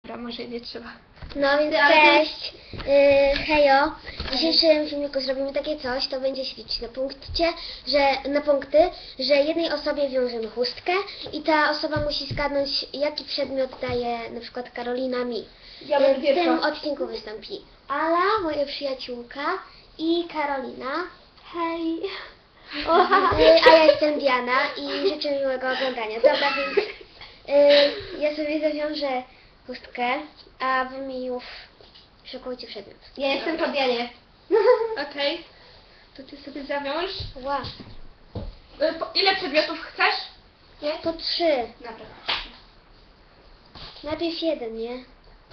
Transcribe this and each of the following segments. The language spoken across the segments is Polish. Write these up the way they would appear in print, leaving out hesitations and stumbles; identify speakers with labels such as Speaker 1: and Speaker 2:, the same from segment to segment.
Speaker 1: Dobra, może nie trzeba.
Speaker 2: No więc cześć, hejo. W dzisiejszym filmiku zrobimy takie coś, to będzie się liczyć na punkty, że jednej osobie wiążemy chustkę i ta osoba musi zgadnąć, jaki przedmiot daje na przykład Karolina mi.
Speaker 1: Ja będę
Speaker 2: W
Speaker 1: pierwsza.
Speaker 2: tym odcinku wystąpi Ala, moja przyjaciółka, i Karolina. Hej. A ja jestem Diana i życzę miłego oglądania. Dobra, więc ja sobie zawiążę chustkę, a wy mi już szykujcie przedmiot.
Speaker 3: Ja jestem po Dianie.
Speaker 1: Okej. To ty sobie zawiąż.
Speaker 2: Wow.
Speaker 1: Ile przedmiotów chcesz? Nie?
Speaker 2: To 3.
Speaker 1: Dobra.
Speaker 2: Najpierw jeden, nie?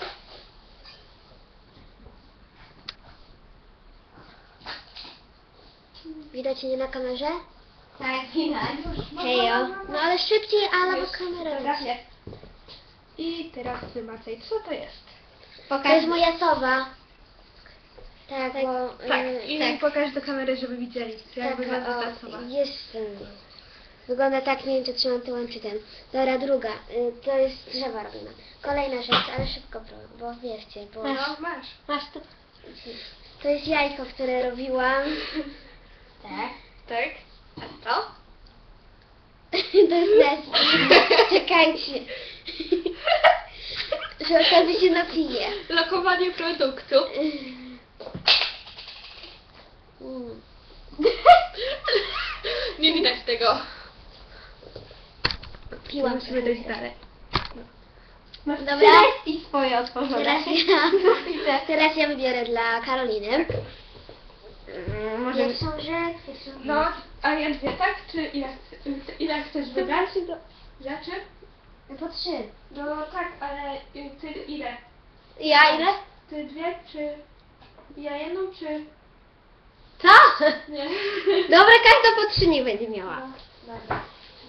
Speaker 2: Widać mnie na kamerze?
Speaker 3: Tak, widać.
Speaker 2: Hejo. No ale szybciej, Ala, bo
Speaker 1: Już.
Speaker 2: kamera
Speaker 1: Dobra.
Speaker 2: leci.
Speaker 1: I teraz wymacaj. Co to jest?
Speaker 2: To jest moja sowa. Tak, bo...
Speaker 1: Tak. I
Speaker 2: tak.
Speaker 1: pokaż do kamery, żeby widzieli, jak
Speaker 2: Tak,
Speaker 1: wygląda ta
Speaker 2: o,
Speaker 1: osoba.
Speaker 2: jest. Wygląda tak, nie wiem czy trzymam tyłem czy ten. Dobra, druga. To jest drzewa robione. Kolejna rzecz, ale szybko, bo wierzcie, bo...
Speaker 1: No, masz.
Speaker 3: Masz to?
Speaker 2: To jest jajko, które robiłam.
Speaker 3: Tak.
Speaker 1: Tak? A to?
Speaker 2: To jest Nestle. Czekajcie. Że okazji się napije.
Speaker 1: Lokowanie produktu.
Speaker 2: Mm.
Speaker 1: Nie widać tego.
Speaker 2: Piłam
Speaker 1: Musimy dojść dalej.
Speaker 3: Masz
Speaker 2: Dobra.
Speaker 3: treści swoje otworzone.
Speaker 2: Teraz ja wybiorę dla Karoliny.
Speaker 3: Może...
Speaker 2: Pierwszą rzecz.
Speaker 1: No, a ja dwie, tak? Czy ile chcesz wybrać rzeczy?
Speaker 2: Po 3.
Speaker 1: No tak, ale ty ile?
Speaker 3: Ja ile?
Speaker 1: Ty dwie, czy ja jedną, czy...
Speaker 3: Co?
Speaker 1: Nie.
Speaker 3: Dobra, każda po 3 nie będzie miała.
Speaker 1: Dobra.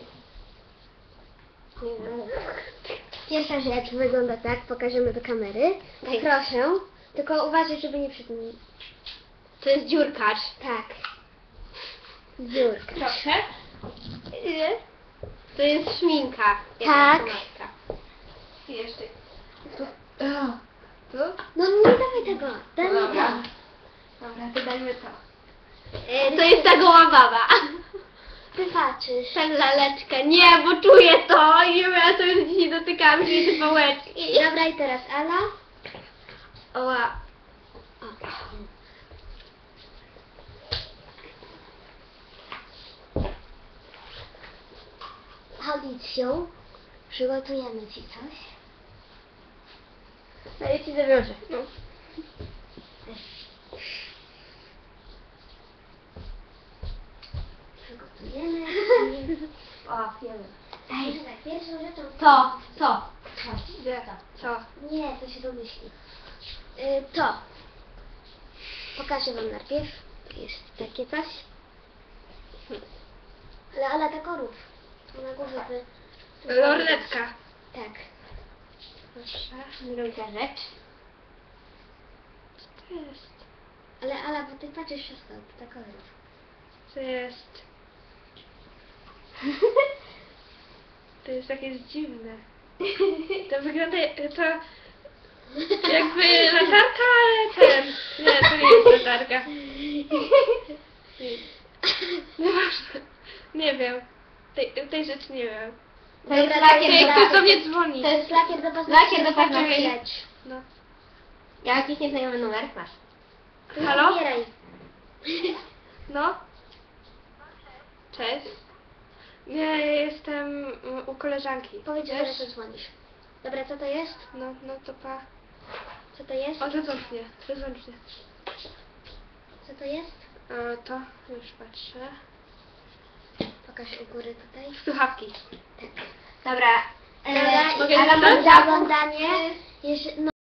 Speaker 2: Pierwsza rzecz wygląda tak, pokażemy do kamery.
Speaker 3: Daj.
Speaker 2: Proszę, tylko uważaj, żeby nie przed...
Speaker 3: To jest dziurkarz.
Speaker 2: Tak. Dziurka.
Speaker 1: Proszę.
Speaker 3: Ile? To jest szminka.
Speaker 2: Tak.
Speaker 3: Pomadka.
Speaker 1: I jeszcze.
Speaker 3: Tu?
Speaker 2: No nie dawaj tego. Daj mi
Speaker 1: Dobra.
Speaker 2: to.
Speaker 1: Dobra, to dajmy to.
Speaker 3: To jest ta goła baba.
Speaker 2: Ty patrzysz.
Speaker 3: Ta laleczka. Nie, bo czuję to. I ja to już dzisiaj dotykałam się tej pałeczki.
Speaker 2: Dobra, i teraz Ala.
Speaker 3: Oła.
Speaker 2: O. Audicją przygotujemy ci coś.
Speaker 3: No ja ci zawiążę.
Speaker 1: No.
Speaker 2: Przygotujemy.
Speaker 3: O, wiemy.
Speaker 2: Ej, pierwszą rzeczą...
Speaker 3: Co?
Speaker 1: Gdzie? Co?
Speaker 2: Nie, to się domyśli. To. Pokażę wam najpierw. Jest takie coś. Ale Ala tak rób. To na górze by...
Speaker 1: Lornetka.
Speaker 2: Tak.
Speaker 1: Proszę.
Speaker 3: Druga rzecz.
Speaker 1: Co to jest?
Speaker 2: Ale Ala, bo ty patrzysz wszystko, to tak rób.
Speaker 1: To jest... To jest takie dziwne. To wygląda... To... Jakby latarka, ale ten... Nie, to nie jest latarka. Nieważne. Nie wiem. Tej rzeczy nie wiem.
Speaker 3: To jest
Speaker 2: Dobra,
Speaker 3: lakier
Speaker 1: Ej,
Speaker 3: do
Speaker 1: ktoś do mnie dzwoni.
Speaker 2: To jest lakier do paznokci.
Speaker 3: Lakier do paznokci.
Speaker 2: Leć.
Speaker 1: No.
Speaker 3: Jakiś nieznajomy numer masz.
Speaker 2: To nie
Speaker 1: Halo?
Speaker 2: zbieraj.
Speaker 1: No? Cześć. Nie, ja jestem u koleżanki.
Speaker 2: Powiedz, że
Speaker 1: Wiesz?
Speaker 2: to dzwonisz. Dobra, co to jest?
Speaker 1: No to pa.
Speaker 2: Co to jest?
Speaker 1: O, zadzwoń mnie.
Speaker 2: Co to jest?
Speaker 1: To już patrzę.
Speaker 2: Pokaż u góry tutaj.
Speaker 1: Słuchawki.
Speaker 3: Dobra.
Speaker 2: Dobra,
Speaker 1: mogę
Speaker 2: i Ala
Speaker 1: zacząć?
Speaker 2: ma za oglądanie. Jeszcze, no,